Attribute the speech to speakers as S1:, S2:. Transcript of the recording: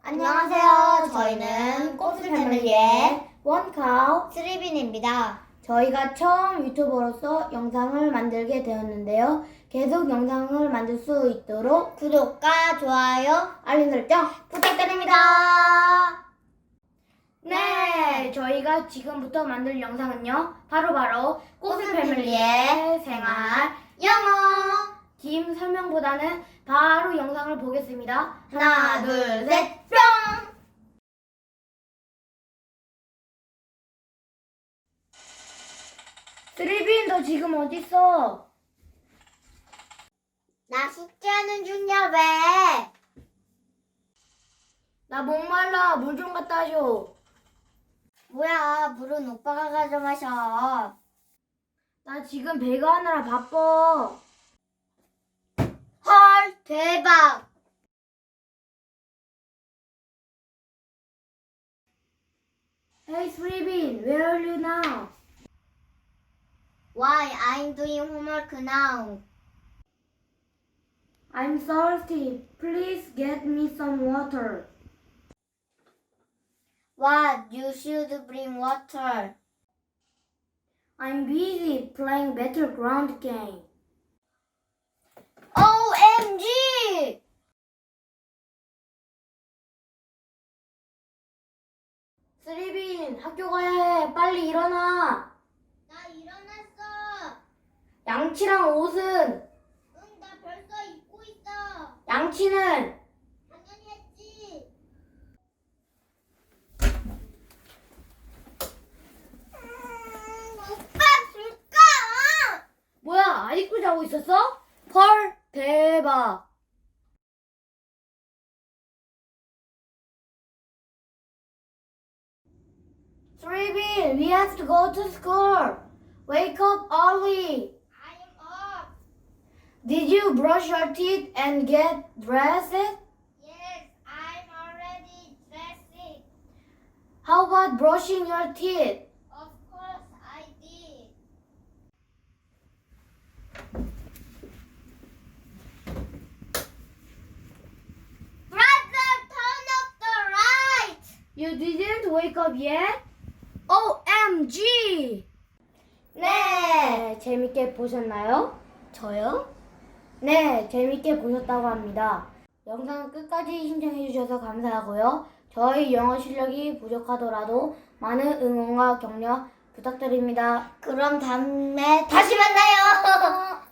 S1: 안녕하세요. 저희는 꼼수 패밀리의
S2: 원카우
S1: 스리빈입니다.
S2: 저희가 처음 유튜버로서 영상을 만들게 되었는데요. 계속 영상을 만들 수 있도록
S1: 구독과 좋아요,
S2: 알림 설정
S1: 부탁드립니다.
S2: 네, 저희가 지금부터 만들 영상은요. 바로
S1: 꼼수 패밀리의 생활 영어.
S2: 긴 설명보다는 바로 영상을 보겠습니다.
S1: 하나, 둘, 셋, 뿅!
S2: 스리빈, 너 지금 어딨어?
S1: 나 숙제하는 중이야, 왜?
S2: 나 목말라. 물 좀 갖다 줘.
S1: 뭐야, 물은 오빠가 가져 마셔.
S2: 나 지금 배가 하느라 바빠.
S1: 헐, 대박!
S2: Hey Sribin, where are you now?
S1: Why, I'm doing homework now.
S2: I'm thirsty. Please get me some water.
S1: What, you should bring water.
S2: I'm busy playing Battleground game.
S1: OMG!
S2: 스리빈, 학교 가야 해. 빨리 일어나.
S1: 나 일어났어.
S2: 양치랑 옷은?
S1: 응, 나 벌써 입고 있어.
S2: 양치는?
S1: 당연히 했지. 오빠 줄까?
S2: 뭐야, 아직도 자고 있었어? 헐, 대박. Sribin, we have to go to school. Wake up early.
S1: I am up.
S2: Did you brush your teeth and get dressed?
S1: Yes, I'm already dressed.
S2: How about brushing your teeth?
S1: Of course I did. Brother, turn off the light.
S2: You didn't wake up yet? OMG! 네, 재밌게 보셨나요?
S1: 저요?
S2: 네, 재밌게 보셨다고 합니다. 영상 끝까지 시청해주셔서 감사하고요. 저희 영어 실력이 부족하더라도 많은 응원과 격려 부탁드립니다.
S1: 그럼 다음에 다시 만나요.